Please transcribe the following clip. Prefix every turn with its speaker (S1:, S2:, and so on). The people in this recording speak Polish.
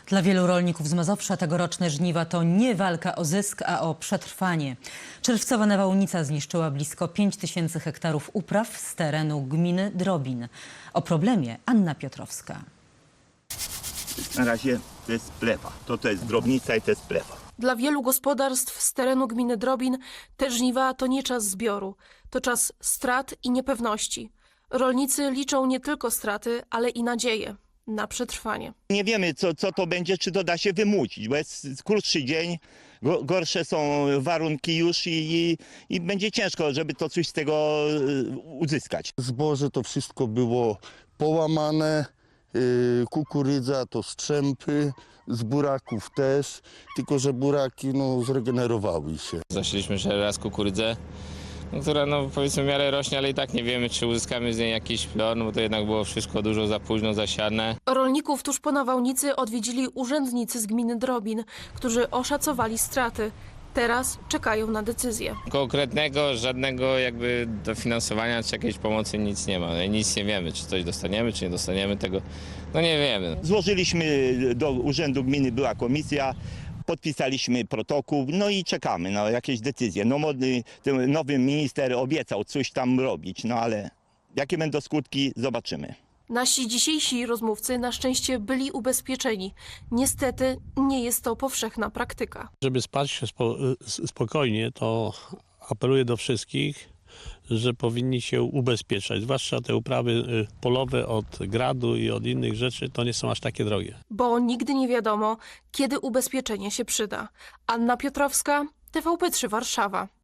S1: Dla wielu rolników z Mazowsza tegoroczne żniwa to nie walka o zysk, a o przetrwanie. Czerwcowa nawałnica zniszczyła blisko 5000 hektarów upraw z terenu gminy Drobin. O problemie Anna Piotrowska.
S2: Na razie to jest plewa. To jest drobnica i to jest plewa.
S3: Dla wielu gospodarstw z terenu gminy Drobin te żniwa to nie czas zbioru, to czas strat i niepewności. Rolnicy liczą nie tylko straty, ale i nadzieję na przetrwanie.
S2: Nie wiemy, co to będzie, czy to da się wymucić, bo jest krótszy dzień, gorsze są warunki już i będzie ciężko, żeby to coś z tego uzyskać.
S4: Zboże to wszystko było połamane, kukurydza to strzępy, z buraków też, tylko że buraki zregenerowały się.
S5: Zasieliśmy jeszcze raz kukurydzę, która powiedzmy w miarę rośnie, ale i tak nie wiemy, czy uzyskamy z niej jakiś plon, bo to jednak było wszystko dużo za późno zasiane.
S3: Rolników tuż po nawałnicy odwiedzili urzędnicy z gminy Drobin, którzy oszacowali straty. Teraz czekają na decyzję.
S5: Konkretnego, żadnego jakby dofinansowania czy jakiejś pomocy nic nie ma. Nic nie wiemy, czy coś dostaniemy, czy nie dostaniemy tego. Nie wiemy.
S2: Złożyliśmy do urzędu gminy, była komisja, podpisaliśmy protokół, i czekamy na jakieś decyzje. Ten nowy minister obiecał coś tam robić, ale jakie będą skutki, zobaczymy.
S3: Nasi dzisiejsi rozmówcy na szczęście byli ubezpieczeni. Niestety nie jest to powszechna praktyka.
S6: Żeby spać się spokojnie, to apeluję do wszystkich, że powinni się ubezpieczać. Zwłaszcza te uprawy polowe od gradu i od innych rzeczy, to nie są aż takie drogie.
S3: Bo nigdy nie wiadomo, kiedy ubezpieczenie się przyda. Anna Piotrowska, TVP3 Warszawa.